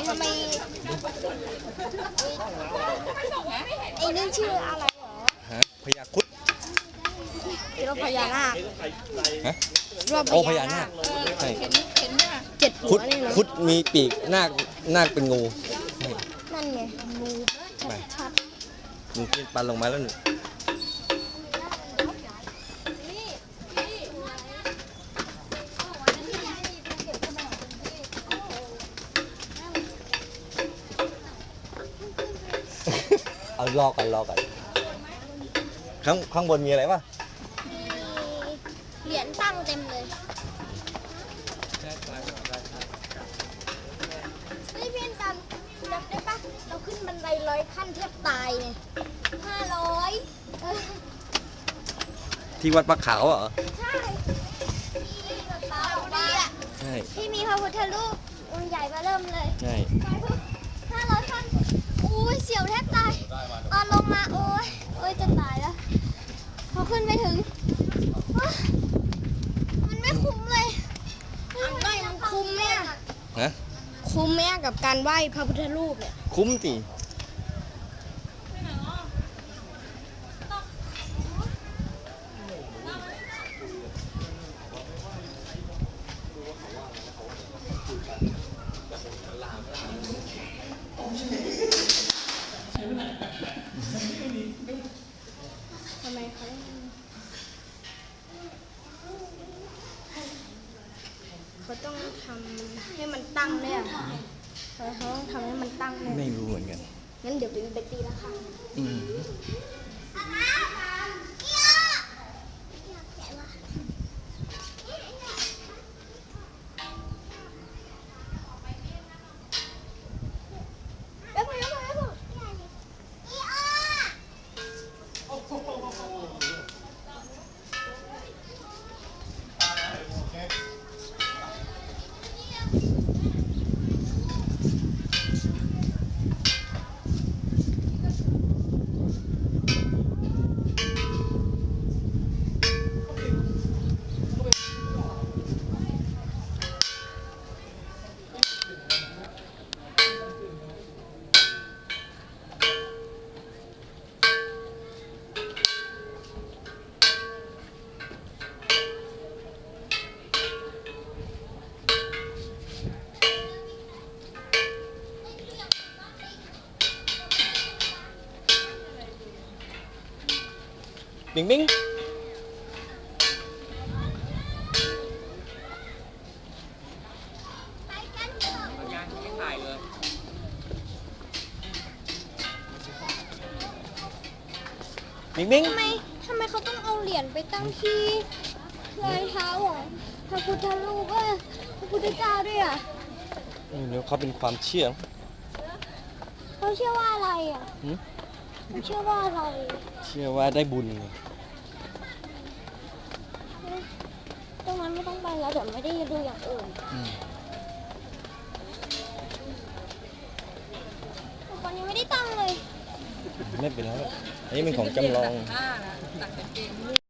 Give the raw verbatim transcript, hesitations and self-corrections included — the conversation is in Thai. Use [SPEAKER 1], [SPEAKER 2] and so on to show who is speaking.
[SPEAKER 1] ทำไมไอ้นี่ชื่ออะไรเหรอ
[SPEAKER 2] ฮะพญาครุฑ
[SPEAKER 1] รอบพญานาค
[SPEAKER 2] ฮะ
[SPEAKER 1] รอบ
[SPEAKER 2] โอ้พญานาคใช่
[SPEAKER 1] เจ็ด
[SPEAKER 2] ครุ
[SPEAKER 1] หัว
[SPEAKER 2] ฑ
[SPEAKER 1] นี่นะ
[SPEAKER 2] ครุฑมีปีกนาคนาคเป็นงู
[SPEAKER 1] นั่นไงงู
[SPEAKER 2] ไป
[SPEAKER 1] ชัด
[SPEAKER 2] งูกินปลาลงมาแล้วหนึ่งเอารอก่อนรอก่อนข้างข้างบนมีอะไรป่ะ
[SPEAKER 1] มีเหรียญตั้งเต็มเลยเฮ้ยเพื่อนกันจำได้ปะเราขึ้นบันไดร้อยขั้นแทบตายเนี่ยห้าร้อยเออ
[SPEAKER 2] ที่วัดปลาขาวเหรอ
[SPEAKER 1] ใช่ที่แบบตาบอกว่า
[SPEAKER 2] ใช่
[SPEAKER 1] ที่มีพระพุทธรูปองค์ใหญ่มาเริ่มเลย
[SPEAKER 2] ใช่
[SPEAKER 1] ห้าร้อยขั้นอุ้ยเสียวแทบตายตอนลงมาโอ้ยโอ้ยจะตายแล้วพอขึ้นไปถึงว้ามันไม่คุ้มเลยไม่มันคุ้มไหมอะ
[SPEAKER 2] ฮะ
[SPEAKER 1] คุ้มไหมอะกับการไหว้พระพุทธรูปเนี่ย
[SPEAKER 2] คุ้มสิ
[SPEAKER 1] ทำไมเขาเขาต้องทำให้มันตั้งเนี่ยเขาเขาต้องทำให้มันตั้งเนี่ย
[SPEAKER 2] ไม่รู้เหมือนกัน
[SPEAKER 1] งั้นเดี๋ยวไปไปตีละครั้ง
[SPEAKER 2] อืม
[SPEAKER 1] แล้วพอแล้วพอแล้วพอ
[SPEAKER 2] บิงบิงบิงบิง
[SPEAKER 1] ทำไมทำไมเขาต้องเอาเหรียญไปตั้งที่รอยเท้าของพระพุทธรูปเอ้ยพระพุทธเจ้าด้วยอ่ะ
[SPEAKER 2] ไม่รู้เขาเป็นความเชื่อ
[SPEAKER 1] เขาเชื่อว่าอะไรอ่ะ
[SPEAKER 2] หืม
[SPEAKER 1] เขาเชื่อว่าอะไร
[SPEAKER 2] เชื่อว่าได้บุญไง
[SPEAKER 1] ตรงนั้นไม่ต้องไปแล้วเดี๋ยวไม่ได้ดูอย่างอื่น
[SPEAKER 2] อืม
[SPEAKER 1] ตอนนี้ไม่ได้ตั้งเลย
[SPEAKER 2] ไม่เป็นไรอันนี้เป็นของจำลอง